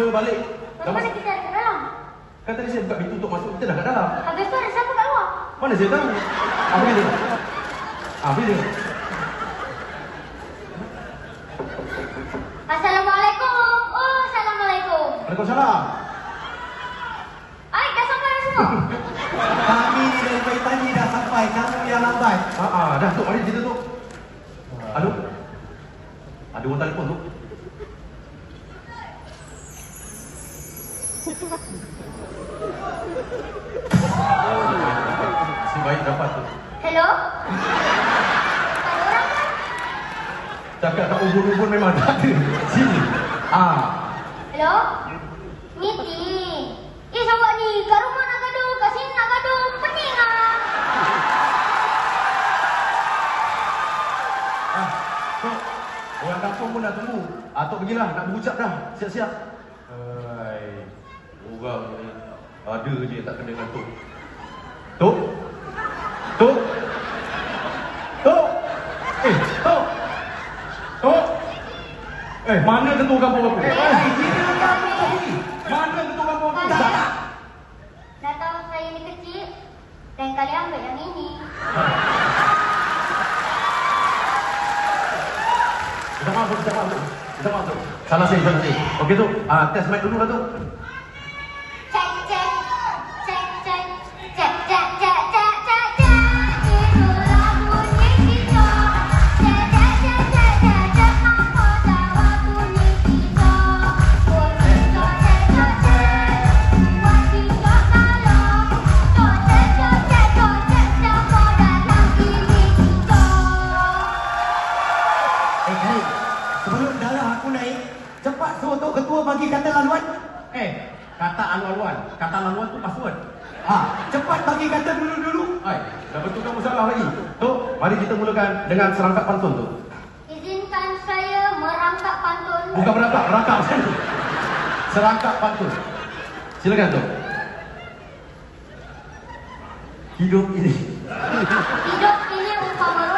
balik. Macam mana kita ada kat dalam? Kan tadi saya buka pintu untuk masuk, kita dah kat dalam. Habis tu ada siapa kat luar? Mana saya tahu? Pergi tengok. Pergi tengok. Assalamualaikum. Oh, Assalamualaikum. Waalaikumsalam. Dah sampai dah semua? Kami dari pagi tadi dah sampai, kamu yang lambat. Dah tu, mari kita tu. Aduh. Ada orang telefon tu. Si baik dapat tu. Hello? Ada orang kan? Cakap tak ubun-ubun memang tak ada. Sini. Hello? Meeting. Awak ni kat rumah nak gaduh, kat sini nak gaduh. Pening lah. Tok, orang kampung pun dah tunggu. Tok pergilah, nak berucap dah. Siap-siap. Hai. Orang ni ada je tak kena dengan Tok. Tok? Tok? Tok? Tok? Tok? Mana ketua kampung aku? Mana ketua kampung aku? Dah tahu saya ni kecil. Dan kali ambil yang ini. Kita masuk. Salah saya. Okey tu, test mic dulu lah tu. Cek. Itulah bunyi kita. Cek. Apa jawab bunyi kita? Buat kita cek. Buat kita kalau. Cek. Siapa datang ini kita? Khalid, sebelum darah aku naik, cepat suruh Tok Ketua bagi kata laluan. Kata alu-aluan. Kata laluan tu password. Cepat bagi kata dulu-dulu. Dah betulkan masalah lagi. Tok, mari kita mulakan dengan serangkap pantun tu. Izinkan saya merangkap pantun. Bukan merangkap, rangkap. Serangkap pantun. Silakan Tok. Hidup ini Hidup ini umpama